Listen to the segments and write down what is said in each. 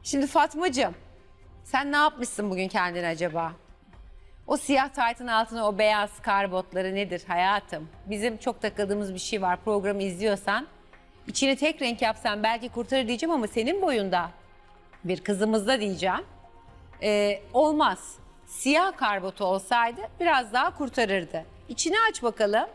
Şimdi Fatmacığım, sen ne yapmışsın bugün kendine acaba? O siyah taytın altına o beyaz kar botları nedir hayatım? Bizim çok takıldığımız bir şey var. Programı izliyorsan içini tek renk yapsan belki kurtarır diyeceğim ama senin boyunda bir kızımızda diyeceğim. Olmaz. Siyah kar botu olsaydı biraz daha kurtarırdı. İçini aç bakalım.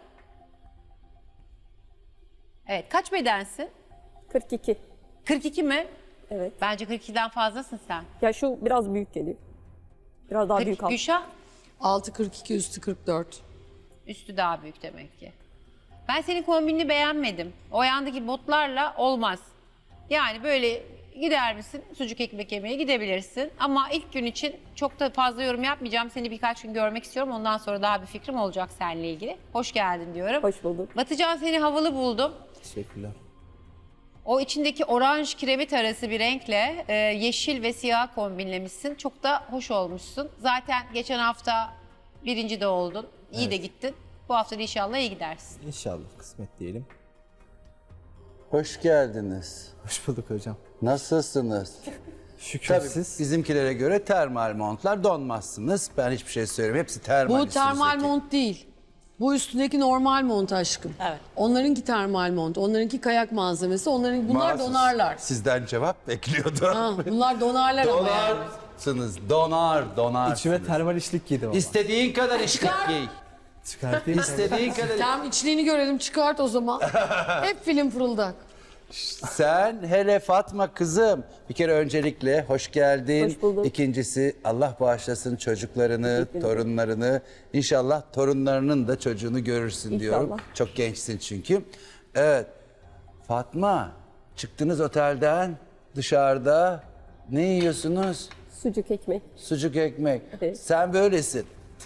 Evet, kaç bedensin? 42. 42 mi? Evet. Bence 42'den fazlasın sen. Ya şu biraz büyük geliyor. Biraz daha büyük al. Gülşah, Altı 42, üstü 44. üstü daha büyük demek ki. Ben senin kombinini beğenmedim. O ayağındaki botlarla olmaz. Yani böyle gider misin? Sucuk ekmek yemeye gidebilirsin. Ama ilk gün için çok da fazla yorum yapmayacağım. Seni birkaç gün görmek istiyorum. Ondan sonra daha bir fikrim olacak seninle ilgili. Hoş geldin diyorum. Hoş bulduk. Batıcan, seni havalı buldum. Teşekkürler. O içindeki oranj kiremit arası bir renkle yeşil ve siyah kombinlemişsin. Çok da hoş olmuşsun. Zaten geçen hafta birinci de oldun. İyi de gittin. Bu hafta da inşallah iyi gidersin. İnşallah kısmet diyelim. Hoş geldiniz. Hoş bulduk hocam. Nasılsınız? Şükür Tabii siz. bizimkilere göre termal montlar donmazsınız. Ben hiçbir şey söylemiyorum. Hepsi termal. Bu termal üstünüzdeki. mont değil. Bu üstündeki normal mont aşkım. Evet. Onlarınki termal mont, onlarınki kayak malzemesi, bunlar Mahsus. donarlar. Sizden cevap bekliyordum. Ha, bunlar donarlar ama yani. Donarsınız. Donarsınız. İçime termal işlik giydim ama. İstediğin kadar işlik giy. Çıkartayım. İstediğin kadar. Tamam, içliğini görelim, çıkart o zaman. Hep film fırıldak. Sen hele Fatma kızım. Bir kere öncelikle hoş geldin. Hoş bulduk. İkincisi Allah bağışlasın çocuklarını, torunlarını. İnşallah torunlarının da çocuğunu görürsün diyorum. İnşallah. Çok gençsin çünkü. Evet. Fatma, çıktınız otelden dışarıda. Ne yiyorsunuz? Sucuk ekmek. Sucuk ekmek. Evet. Sen böylesin.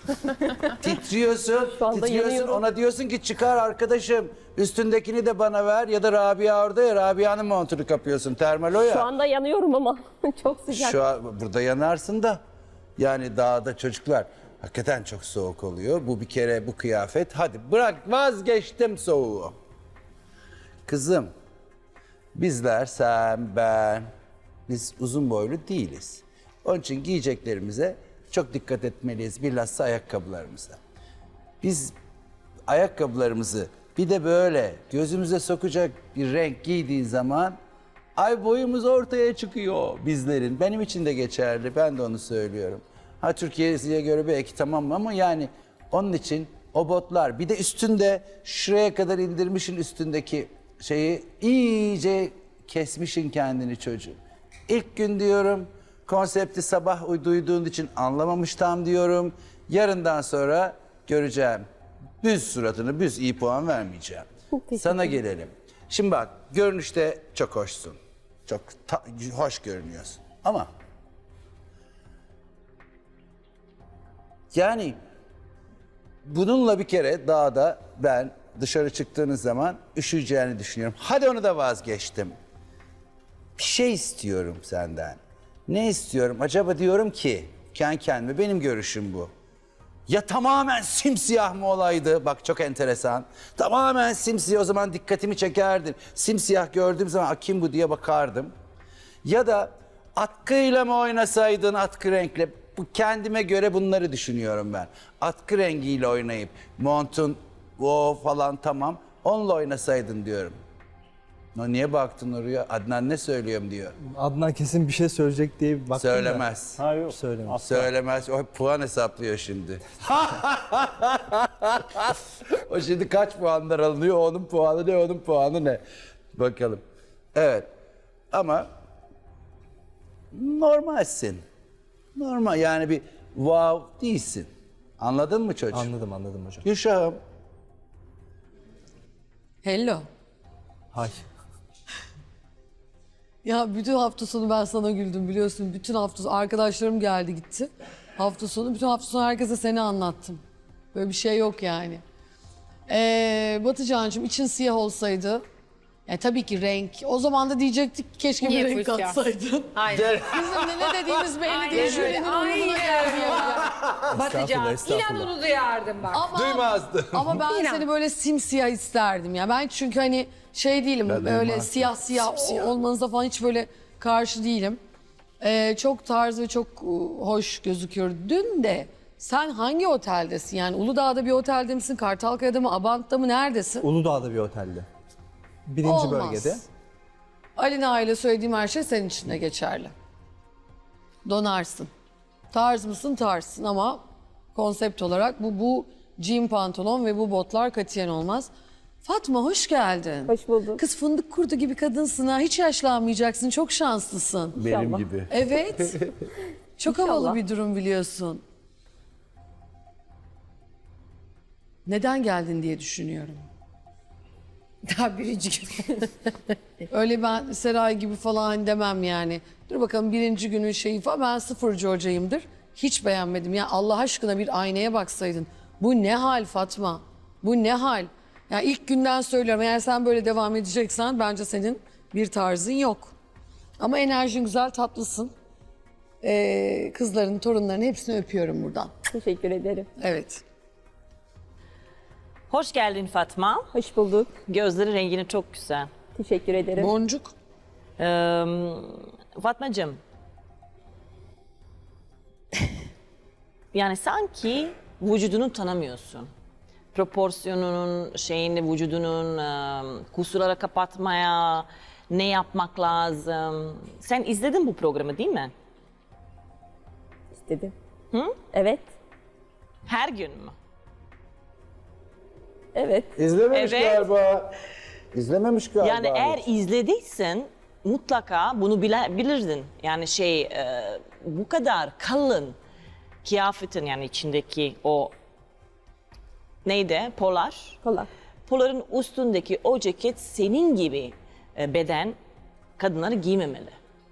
Titriyorsun, Şu anda yanıyorum. ona diyorsun ki çıkar arkadaşım üstündekini de bana ver ya da Rabia orada ya Rabia'nın montunu kapıyorsun termal o ya. Şu anda yanıyorum ama çok sıcak. Şu an burada yanarsın da yani dağda çocuklar hakikaten çok soğuk oluyor. Bu bir kere bu kıyafet hadi bırak vazgeçtim soğuğu. Kızım bizler sen ben biz uzun boylu değiliz. Onun için giyeceklerimize çok dikkat etmeliyiz bilhassa ayakkabılarımıza. Biz ayakkabılarımızı bir de böyle gözümüze sokacak bir renk giydiğin zaman ay boyumuz ortaya çıkıyor bizlerin. Benim için de geçerli. Ben de onu söylüyorum. Ha Türkiye'ye göre belki tamam ama yani onun için o botlar bir de üstünde şuraya kadar indirmişin üstündeki şeyi iyice kesmişin kendini çocuğum. İlk gün diyorum konsepti sabah duyduğun için anlamamış tam diyorum. Yarından sonra göreceğim. Büz suratını, büz iyi puan vermeyeceğim. teşekkür Sana gelelim. Şimdi bak görünüşte çok hoşsun. Çok hoş görünüyorsun. Ama yani bununla bir kere dağda ben dışarı çıktığınız zaman üşüyeceğini düşünüyorum. Hadi onu da vazgeçtim. Bir şey istiyorum senden. Ne istiyorum? Acaba diyorum ki kendi kendime benim görüşüm bu. Ya tamamen simsiyah mı olaydı? Bak çok enteresan. Tamamen simsiyah o zaman dikkatimi çekerdin. Simsiyah gördüğüm zaman kim bu diye bakardım. Ya da atkıyla mı oynasaydın atkı renkle? Bu kendime göre bunları düşünüyorum ben. Atkı rengiyle oynayıp montun o falan tamam. Onunla oynasaydın diyorum. Niye baktın oraya? Adnan ne söylüyorum diyor. Adnan kesin bir şey söyleyecek diye bir baktım da. Söylemez. Ha yok. Söylemez. Söylemez. O puan hesaplıyor şimdi. O şimdi kaç puanlar alınıyor? Onun puanı ne? Onun puanı ne? Bakalım. Evet. Ama normalsin. Normal yani bir wow değilsin. Anladın mı çocuğum? Anladım hocam. Gülşah'ım. Hello. Hay. Ya bütün hafta sonu ben sana güldüm biliyorsun. Bütün hafta sonu arkadaşlarım geldi gitti. Hafta sonu bütün hafta sonu herkese seni anlattım. Böyle bir şey yok yani. Batıcancığım için siyah olsaydı. Yani tabii ki renk. O zaman da diyecektik ki keşke Niye bir renk full siyah? katsaydın. Aynen. Bizim de ne dediğimiz belli değil. Aynen öyle. Jürinin umuruna gelmiyor. Batıcan, estağfurullah. inan onu duyardım bak. Ama, Duymazdım. ama ben İnan. seni böyle simsiyah isterdim ya. Ben çünkü hani şey değilim Ben böyle duymazdım. siyah olmanıza falan hiç böyle karşı değilim. Çok tarz ve çok hoş gözüküyor. Dün de sen hangi oteldesin? Yani Uludağ'da bir otelde misin? Kartalkaya'da mı? Abant'ta mı? Neredesin? Uludağ'da bir otelde. Birinci Olmaz. bölgede. Alina ile söylediğim her şey senin için de geçerli. Donarsın. Tarz mısın? Tarzsın ama konsept olarak bu jean pantolon ve bu botlar katiyen olmaz. Fatma hoş geldin. Hoş bulduk. Kız fındık kurdu gibi kadınsın ha. Hiç yaşlanmayacaksın. Çok şanslısın. Benim İnşallah. gibi. Evet. Çok İnşallah. havalı bir durum biliyorsun. Neden geldin diye düşünüyorum. Daha birinci gün. Öyle ben Seray gibi falan demem yani. Dur bakalım birinci günün şeyi falan. Ben sıfırcı hocayımdır. Hiç beğenmedim. Ya Allah aşkına bir aynaya baksaydın. Bu ne hal Fatma? Bu ne hal? Ya ilk günden söylüyorum. Eğer sen böyle devam edeceksen bence senin bir tarzın yok. Ama enerjin güzel, tatlısın. Kızların, torunların hepsini öpüyorum buradan. Teşekkür ederim. Evet. Hoş geldin Fatma. Hoş bulduk. Gözleri rengini çok güzel. Teşekkür ederim. Boncuk. Fatmacığım. Yani sanki vücudunu tanımıyorsun. Proporsiyonunun, vücudunun kusurları kapatmaya ne yapmak lazım. Sen izledin bu programı değil mi? İstedim. Evet. Her gün mü? Evet. İzlememiş Evet. galiba. İzlememiş galiba. Yani eğer hiç. izlediysen mutlaka bunu bilirdin. Yani bu kadar kalın kıyafetin yani içindeki o neydi? Polar. Kolay. Poların üstündeki o ceket senin gibi beden kadınları giymemeli.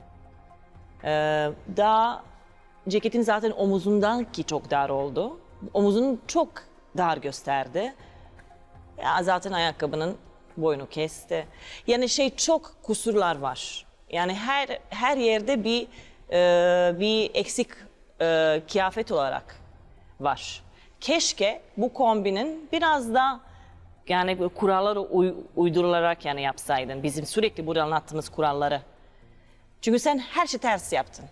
Daha ceketin zaten omuzundan ki çok dar oldu. Omuzunu çok dar gösterdi. Ya zaten ayakkabının boynu kesti. Yani çok kusurlar var. Yani her yerde bir eksik kıyafet olarak var. Keşke bu kombinin biraz da yani kuralları uydurularak yani yapsaydın. Bizim sürekli burada anlattığımız kuralları. Çünkü sen her şeyi ters yaptın.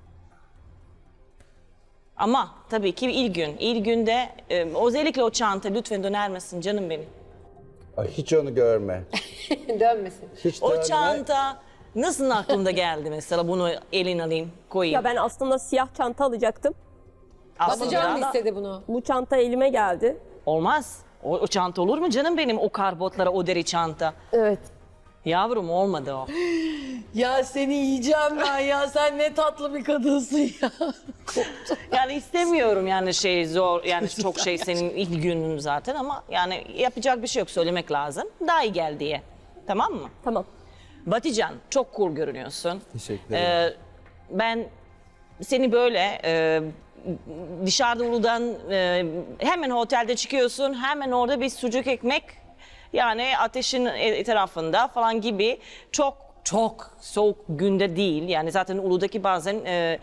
Ama tabii ki ilk günde özellikle o çanta lütfen döner misin canım benim? Ay, hiç onu görme. Dönmesin. Hiç O dönme. çanta nasıl aklında geldi mesela bunu elin alayım koyayım? Ya ben aslında siyah çanta alacaktım. Batıcan mı Aslında istedi bunu? Bu çanta elime geldi. olmaz. O çanta olur mu canım benim o karbotlara o deri çanta? Evet. Yavrum olmadı o. Ya seni yiyeceğim ben ya. Sen ne tatlı bir kadınsın ya. Yani istemiyorum yani zor yani çok senin ilk günün zaten ama yani yapacak bir şey yok söylemek lazım. Daha iyi gel diye. Tamam mı? Tamam. Batican çok cool görünüyorsun. Teşekkür ederim. Ben seni böyle dışarıda Uludağ'dan hemen otelde çıkıyorsun hemen orada bir sucuk ekmek yani ateşin etrafında falan gibi çok soğuk günde değil. Yani zaten Uludağ'daki bazen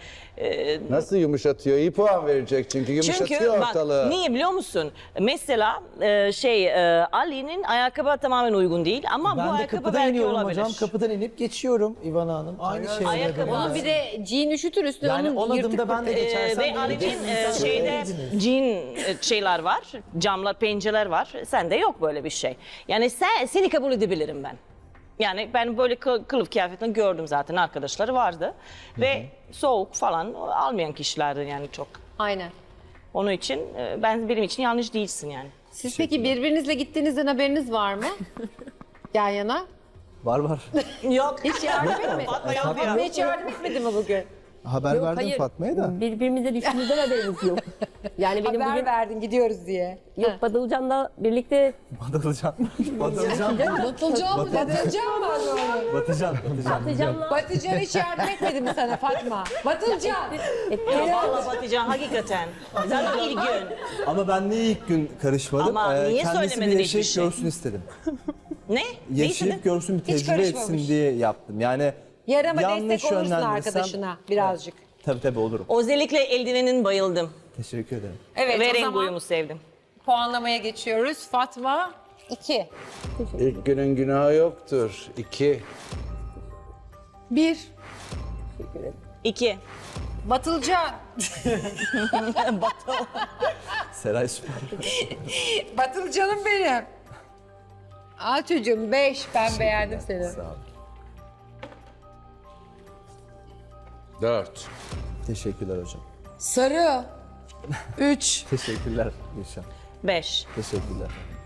Nasıl yumuşatıyor? İyi puan verecek çünkü yumuşatıyor çünkü bak ortalığı. niye biliyor musun? Mesela Ali'nin ayakkabı tamamen uygun değil ama bu Ben de ayakkabı kapıdan belki iniyorum olabilir. hocam. Kapıdan inip geçiyorum İvana Hanım. Aynı şey. Ayakkabı- Onun bir de jean üşütür üstüne Yani onun on yırtık adımda ben de geçersem. Ve böyle Ali'nin geçsiniz, şeyde söylediniz. jean var, camlar, pencereler var. Sende yok böyle bir şey. Yani seni kabul edebilirim ben. Yani ben böyle kılıf kıyafetini gördüm zaten arkadaşları vardı. Ve soğuk falan almayan kişilerdi yani çok. Aynen. Onun için benim için yanlış değilsin yani. Siz peki birbirinizle gittiğinizden haberiniz var mı? Yan yana. Var. Yok. Hiç yardım etmedi. Fatma hiç yardım etmedi mi bugün? Haber Yok, verdim hayır. Fatma'ya da. Birbirimize düştüğümüzden haberimiz yok. Yani benim Haber bugün verdin gidiyoruz diye. yok Badılcan'la birlikte Batılcan. Batılcan. Batılcan mı dedi? Batılcan mı onu? Batılcan. Batıcan'la Batıcan hiç yardım etmedi mi sana Fatma? Batılcan. Vallahi Batıcan hakikaten. Zaten ilk gün. Ama ben niye ilk gün karışmadım? Ama niye Kendisi söylemedin bir hiçbir yaşayıp şey? görsün istedim. Ne? Yaşayıp görsün, bir tecrübe karışmamış. etsin diye yaptım. Yani Yarama yanlış destek olursun yönlendirsem- arkadaşına birazcık. Tabii olurum. Özellikle eldivenin bayıldım. Teşekkür ederim. Evet Ve o renk zaman uyumu sevdim. puanlamaya geçiyoruz. Fatma 2. İlk günün günahı yoktur. 2. 1. teşekkür ederim. 2. Batılcan. Seray süper. Batılcanım benim. Aa çocuğum 5. Ben beğendim seni. Sağ ol. 4. Teşekkürler hocam. Sarı. 3. Teşekkürler Gülşen. 5. Teşekkürler.